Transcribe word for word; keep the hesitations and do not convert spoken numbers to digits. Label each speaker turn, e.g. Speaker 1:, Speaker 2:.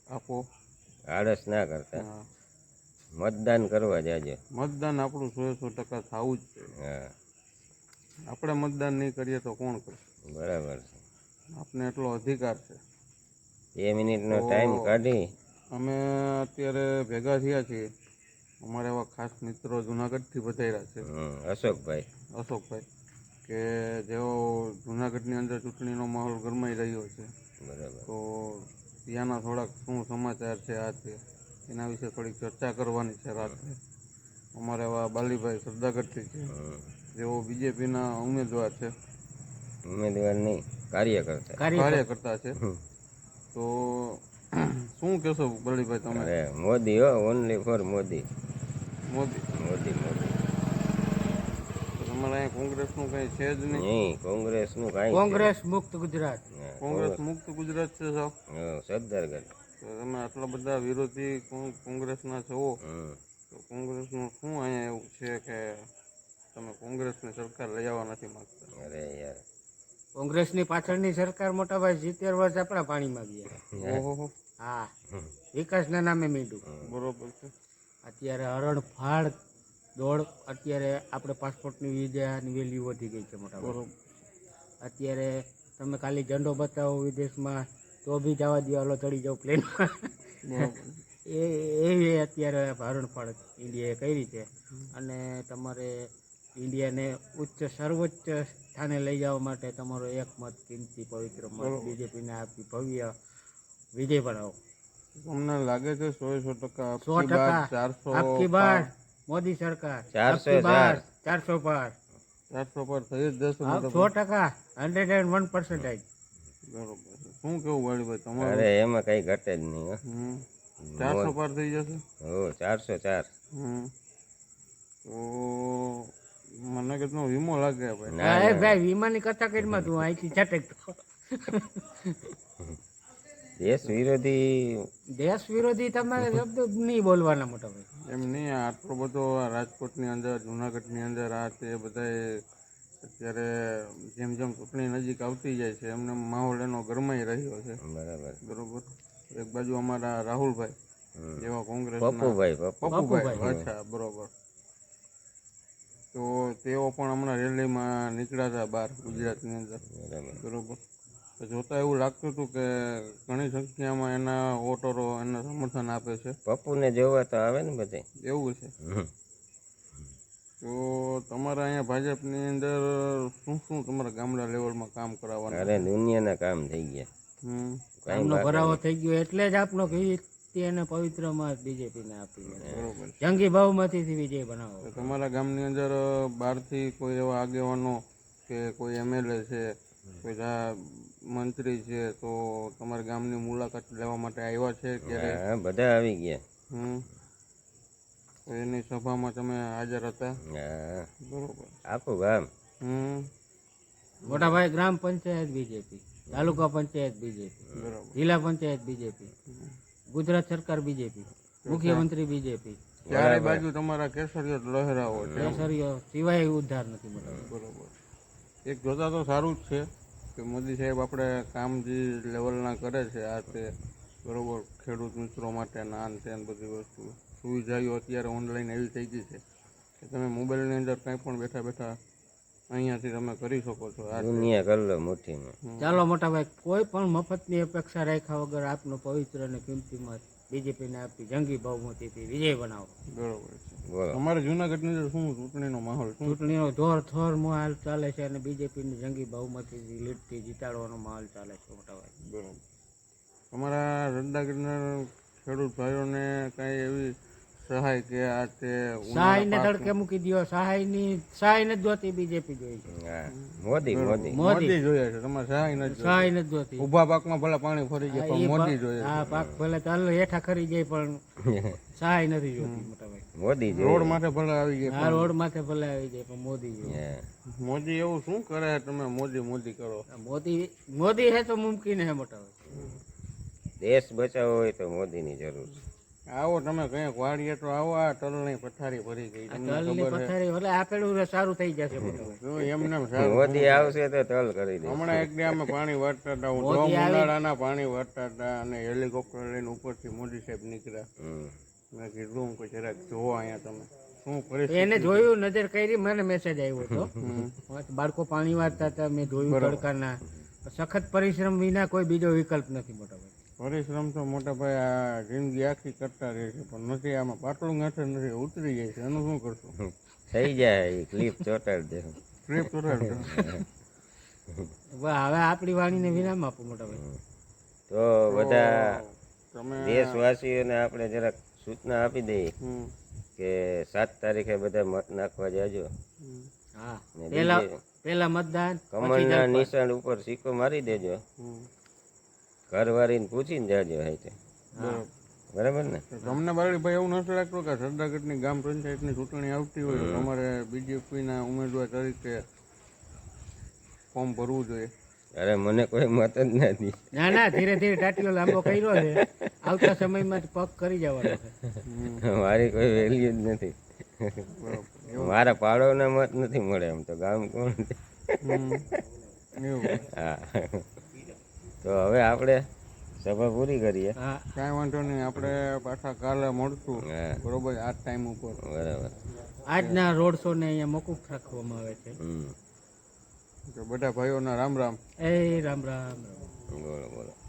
Speaker 1: આપો,
Speaker 2: આળસ ના કરતા
Speaker 1: હા,
Speaker 2: મતદાન કરવા જાજો.
Speaker 1: મતદાન આપણું સો સો ટકા થવું જ જોઈએ.
Speaker 2: હા
Speaker 1: આપણે મતદાન નહીં કરીએ તો કોણ કરશે?
Speaker 2: બરાબર છે.
Speaker 1: આપને એટલો અધિકાર છે.
Speaker 2: બે મિનિટનો
Speaker 1: તો
Speaker 2: ટાઈમ કાઢી
Speaker 1: અમે અત્યારે ભેગા થયા છીએ. અમારા એવા ખાસ મિત્રો જુનાગઢથી પધાર્યા છે,
Speaker 2: હમ, અશોકભાઈ.
Speaker 1: અશોકભાઈ, કે જેઓ જુનાગઢની અંદર ચૂંટણીનો માહોલ ગરમાઈ રહ્યો છે.
Speaker 2: બરાબર.
Speaker 1: તો ત્યાંના થોડાક શું સમાચાર છે આ તે એના વિશે થોડીક ચર્ચા કરવાની છે રાત્રે. અમારે એવા બાલીભાઈ સરદાગઢથી છે,
Speaker 2: હમ.
Speaker 1: જેઓ બીજેપીના ઉમેદવાર છે,
Speaker 2: ઉમેદવાર નહીં, કાર્યકર્તા.
Speaker 1: કાર્યકર્તા છે.
Speaker 2: હમ.
Speaker 1: તો શું કહેશો બળીભાઈ તમે?
Speaker 2: અરે મોદી હો, ઓનલી ફોર મોદી.
Speaker 1: મોદી.
Speaker 2: મોદી મોદી
Speaker 1: તો તમારે અહીંયા કોંગ્રેસનું કંઈ છે જ નહીં?
Speaker 2: નહીં, કોંગ્રેસનું કાંઈ
Speaker 3: કોંગ્રેસ મુક્ત ગુજરાત.
Speaker 2: હા,
Speaker 1: કોંગ્રેસ મુક્ત ગુજરાત છે સાહેબ.
Speaker 2: હા, સરદારગઢ.
Speaker 1: તો તમે આટલા બધા વિરોધી કોં- કોંગ્રેસના છો,
Speaker 2: હમ.
Speaker 1: તો કોંગ્રેસનું શું અહીંયા એવું છે કે તમે કોંગ્રેસની સરકાર લઈ આવવા નથી માગતા?
Speaker 2: અરે યાર,
Speaker 3: કોંગ્રેસની પાછળની સરકાર મોટા ભાઈ સિત્તેર વર્ષ આપણા પાણીમાં ગયા.
Speaker 1: ઓહો,
Speaker 3: હા, વિકાસના નામે મીંડું.
Speaker 1: બરોબર છે.
Speaker 3: અત્યારે હરણફાળ દોડ, અત્યારે આપણે પાસપોર્ટની વિઝાની વેલ્યુ વધી ગઈ છે મોટા ભાઈ.
Speaker 1: બરોબર.
Speaker 3: અત્યારે તમે ખાલી ઝંડો બતાવો વિદેશમાં તો બી જવા દો, હાલો ચડી જાઓ પ્લેનમાં.
Speaker 1: બરોબર.
Speaker 3: એ એવી અત્યારે હરણફાળ ઇન્ડિયાએ કરી છે. અને તમારે ઇન્ડિયાને ઉચ્ચ સર્વોચ્ચ સ્થાને લઈ જવા માટે તમારો એક મત કિંમતી પવિત્ર મત
Speaker 1: બરોબર.
Speaker 3: બીજેપીને આપી ભવ્ય વિજય બનાવો.
Speaker 1: તમને લાગે છે સો સો ટકા
Speaker 3: સો
Speaker 1: આપકી બાર
Speaker 3: ટકા
Speaker 1: ચારસો
Speaker 3: આપકી બાર મોદી સરકાર
Speaker 2: ચારસો
Speaker 3: આપકી બાર
Speaker 2: ચાર.
Speaker 3: ચારસો પાર.
Speaker 1: ચારસો પર થઈ જ જશે
Speaker 3: હા,
Speaker 1: મોટા
Speaker 3: સો ટકા હંડ્રેડ એન્ડ વન પર્સન્ટેજ.
Speaker 1: બરોબર છે. શું કેવું વાળીભાઈ
Speaker 2: અરે
Speaker 1: તમારું?
Speaker 2: એમાં કઈ ઘટે જ નહીં હો.
Speaker 1: હમ ચારસો પાર થઈ જશે.
Speaker 2: હો, ચારસો ચાર.
Speaker 1: હમ તો મને કેટલો વીમો લાગે ભાઈ.
Speaker 2: ના,
Speaker 3: હા
Speaker 2: ના.
Speaker 3: ભાઈ, વિમાની કથા કરીમાં તું અહીંથી છટક.
Speaker 2: દેશ વિરોધી
Speaker 3: દેશ વિરોધી તમારે શબ્દ નહીં બોલવાના મોટા ભાઈ.
Speaker 1: એમ નહીં, આ આટલો બધો આ રાજકોટની અંદર જુનાગઢની અંદર આ તે બધાય અત્યારે જેમ જેમ ચૂંટણી નજીક આવતી જાય છે એમને માહોલ એનો ગરમાઈ રહ્યો છે.
Speaker 2: બરાબર.
Speaker 1: બરોબર. એક બાજુ અમારા રાહુલભાઈ
Speaker 2: હમ.
Speaker 1: જેવા કોંગ્રેસ
Speaker 2: પપ્પુભાઈ પપ્પુ.
Speaker 1: પપ્પુભાઈ,
Speaker 3: પપ્પુભાઈ.
Speaker 1: અચ્છા બરોબર. તો તેઓ પણ હમણાં રેલીમાં નીકળ્યા હતા બહાર ગુજરાતની અંદર.
Speaker 2: બરાબર.
Speaker 1: બરોબર. તો જોતા એવું લાગતું હતું કે ઘણી સંખ્યામાં એના વોટરો એને સમર્થન આપે છે.
Speaker 2: પપ્પુને જોવા તો આવે ને બધે.
Speaker 1: એવું છે.
Speaker 2: હમ.
Speaker 1: તો તમારા અહીંયા ભાજપની અંદર શું શું તમારા ગામડા લેવલમાં કામ કરાવવાનું?
Speaker 2: અરે દુનિયાના કામ થઈ ગયા.
Speaker 1: હમ
Speaker 2: કાંઈ
Speaker 3: આમનો
Speaker 2: બાકી
Speaker 3: ભરાવો
Speaker 2: નહીં.
Speaker 3: થઈ ગયો એટલે જ આપણો કીર્તિ અને પવિત્ર મત બીજેપીને આપી.
Speaker 1: બરોબર.
Speaker 3: જંગી બહુમતીથી વિજય બનાવો.
Speaker 1: તો તમારા ગામની અંદર બહારથી કોઈ એવા આગેવાનો કે કોઈ એમએલએ છે, કોઈ જા- મંત્રી છે, તો તમારા ગામની મુલાકાત લેવા માટે આવ્યા છે ક્યારે?
Speaker 2: હા, બધા આવી ગયા.
Speaker 1: હમ તો એની સભામાં તમે હાજર હતા?
Speaker 2: હા,
Speaker 1: બરોબર.
Speaker 2: આખું ગામ.
Speaker 1: હમ
Speaker 3: મોટા ભાઈ, ગ્રામ પંચાયત બીજેપી, તાલુકા પંચાયત બીજેપી,
Speaker 1: બરોબર.
Speaker 3: જિલ્લા પંચાયત બીજેપી, ગુજરાત સરકાર બીજેપી, મુખ્યમંત્રી બીજેપી.
Speaker 1: ચારે બાજુ તમારા કેસરીઓ લહેરાવો છે.
Speaker 3: કેસરીઓ સિવાય ઉદ્ધાર નથી મોટા ભાઈ.
Speaker 1: બરોબર. એક જોતા તો સારું જ છે કે મોદી સાહેબ આપણે કામ જે લેવલના કરે છે આ તે બરોબર, ખેડૂત મિત્રો માટે નાન છે ને બધી વસ્તુ સુવિધાઓ અત્યારે ઓનલાઈન એવી થઈ ગઈ છે કે તમે મોબાઈલની અંદર કંઈ પણ બેઠા બેઠા અહીંયાથી તમે કરી શકો છો. આ તે.
Speaker 2: દુનિયા કરી લો મુઠ્ઠીમાં.
Speaker 3: ચાલો મોટા ભાઈ, કોઈ પણ મફતની અપેક્ષા રાખ્યા વગર આપનો પવિત્ર અને કિંમતી મત બીજેપીને આપી જંગી બહુમતીથી વિજય બનાવો.
Speaker 1: બરોબર છે.
Speaker 2: બોલો.
Speaker 1: તમારે જુનાગઢની અંદર શું ચૂંટણીનો માહોલ શું?
Speaker 3: ચૂંટણીનો જોર થોર માહોલ ચાલે છે અને બીજેપીની જંગી બહુમતીથી લીડથી જીતાડવાનો માહોલ ચાલે છે મોટા ભાઈ.
Speaker 1: બરોબર. તમારા રંડાગીરના ખેડૂત ભાઈઓને કાંઈ એવી સહાય કે આ તે
Speaker 3: સહાયને તડકે મૂકી દો. સહાયની સહાય નથી જોતી, બીજેપી જોઈ છે.
Speaker 2: હા, મોદી મોદી.
Speaker 1: મોદી જોઈએ છે, તમારે સહાય નથી જોઈતી.
Speaker 3: સહાય નથી જોતી.
Speaker 1: ઊભા પાકમાં ભલે પાણી ફરી જાય
Speaker 3: હા,
Speaker 1: પણ
Speaker 3: એ
Speaker 1: મોદી
Speaker 3: પાક-
Speaker 1: જોઈએ
Speaker 3: હા, પાક ભલે ચાલો હેઠા ખરી જાય પણ સહાય નથી જોતી મોટા ભાઈ.
Speaker 2: મોદી
Speaker 1: છે. રોડ
Speaker 2: જોઈએ.
Speaker 1: માથે ભલે આવી જાય
Speaker 3: આ રોડ માથે ભલે આવી જાય પણ મોદી જોઈએ.
Speaker 2: હા.
Speaker 1: પણ મોદી એવું શું કરે તમે મોદી મોદી કરો?
Speaker 3: મોદી મોદી હે તો મુમકિન હે મોટા ભાઈ.
Speaker 2: દેશ બચાવવો હોય તો મોદીની જરૂર છે.
Speaker 1: આવો તમે કંઈક વાડીએ તો આવો, આ તલની પથારી ભરી ગઈ તમને
Speaker 3: તલની
Speaker 1: ખબર છે.
Speaker 3: પથારી એટલે આપેલું સારું થઈ જશે મોટા ભાઈ.
Speaker 1: જો એમને એમ સારું
Speaker 2: મોદી આવશે તો તલ કરી દે.
Speaker 1: હમણાં એક દી અમે પાણી વાળતા હતા, હું
Speaker 3: મોદી
Speaker 1: ધોમ
Speaker 3: આવી-
Speaker 1: ઉનાળાના પાણી વાળતા હતા અને હેલિકોપ્ટર લઈને ઉપરથી મોદી સાહેબ નીકળ્યા.
Speaker 2: હમ.
Speaker 1: મેં કીધું કે જરાક જોવો અહીંયા તમે શું પરિસ્થિતિ.
Speaker 3: એને જોયું, નજર કરી, મને મેસેજ આવ્યો હતો.
Speaker 1: હમ.
Speaker 3: બાળકો પાણી વાળતા હતા, મેં જોયું તડકાના. સખત પરિશ્રમ વિના કોઈ બીજો વિકલ્પ નથી મોટા ભાઈ.
Speaker 1: પરિશ્રમ તો મોટા ભાઈ આ જિંદગી આખી કરતા રહે છે, પણ નથી આમાં પાટલું ગાંઠે નથી, ઉતરી જાય છે. એનું શું કરશું?
Speaker 2: થઈ જાય એ ક્લિપ ચોટાડી દે.
Speaker 1: ટ્રીપ ચોટાડજો.
Speaker 3: હવે આપણી વાણીને વિરામ આપો મોટા ભાઈ.
Speaker 2: તો બધા
Speaker 1: તમે
Speaker 2: દેશવાસીઓને આપણે જરાક સૂચના આપી દઈએ
Speaker 1: હમ.
Speaker 2: કે સાત તારીખે બધા મત નાખવા જાજો.
Speaker 1: હમ.
Speaker 3: હા,
Speaker 2: ને
Speaker 3: પેલા
Speaker 2: બીજે
Speaker 3: પેલા મતદાન, પછી
Speaker 2: કમળના
Speaker 3: જલપા.
Speaker 2: નિશાન ઉપર સિક્કો મારી દેજો.
Speaker 1: હમ.
Speaker 2: ઘરવાળીને પૂછીને જાજો હાઈતે.
Speaker 3: હા.
Speaker 2: બરાબર ને?
Speaker 1: તો તમને બાળીભાઈ એવું નથી લાગતું કે સરદારગઢની ગ્રામ પંચાયતની ચૂંટણી આવતી હોય તો તમારે બીજેપીના ઉમેદવાર તરીકે ફોર્મ ભરવું જોઈએ?
Speaker 2: અરે મને કોઈ મત જ નથી.
Speaker 3: ના ના, ધીરે ધીરે ટાટીઓ લાંબો કર્યો છે, આવતા સમયમાં જ પગ કરી જવાનો છે.
Speaker 2: મારી કોઈ વેલ્યુ જ નથી.
Speaker 1: બરાબર.
Speaker 2: મારા પાડોના મત નથી મળે એમ તો ગામ કોણ છે?
Speaker 1: હમ. એવું
Speaker 2: હા. તો હવે આપણે સભા પૂરી કરીએ.
Speaker 3: હા,
Speaker 1: કાંઈ વાંધો નહીં, આપણે પાછા કાલે મળશું
Speaker 2: હા
Speaker 1: બરોબર આ ટાઈમ ઉપર.
Speaker 2: બરાબર.
Speaker 3: આજના રોડ શો ને અહીંયા મોકૂફ રાખવામાં આવે છે.
Speaker 2: હમ
Speaker 1: તો બધા ભાઈઓના રામ રામ.
Speaker 3: એ રામ રામ.
Speaker 2: બોલો બોલો.